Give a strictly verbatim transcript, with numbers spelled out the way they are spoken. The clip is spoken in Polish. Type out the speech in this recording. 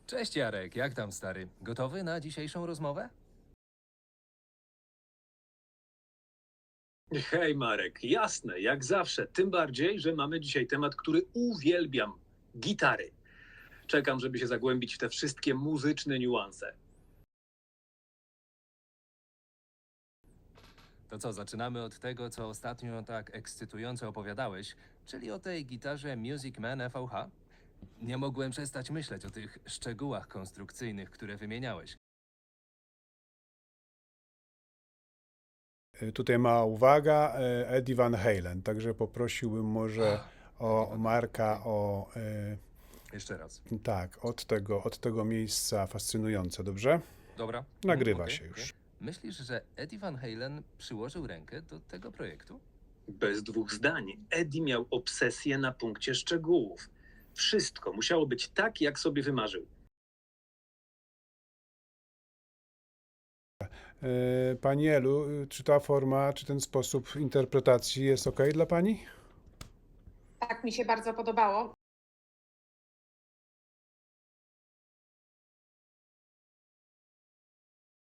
Cześć Jarek, jak tam stary? Gotowy na dzisiejszą rozmowę? Hej Marek, jasne, jak zawsze. Tym bardziej, że mamy dzisiaj temat, który uwielbiam. Gitary. Czekam, żeby się zagłębić w te wszystkie muzyczne niuanse. To co, zaczynamy od tego, co ostatnio tak ekscytująco opowiadałeś, czyli o tej gitarze Music Man F V H? Nie mogłem przestać myśleć o tych szczegółach konstrukcyjnych, które wymieniałeś. Y, Tutaj mała uwaga, y, Eddie Van Halen, także poprosiłbym może o Van Marka Halen, o Jeszcze raz. y, tak, od tego, od tego miejsca fascynujące, dobrze? Dobra. Nagrywa okej, się okej. już. Myślisz, że Eddie Van Halen przyłożył rękę do tego projektu? Bez dwóch zdań. Eddie miał obsesję na punkcie szczegółów. Wszystko musiało być tak, jak sobie wymarzył. Y, Pani Elu, y, czy ta forma, czy ten sposób interpretacji jest ok dla Pani? Tak, mi się bardzo podobało.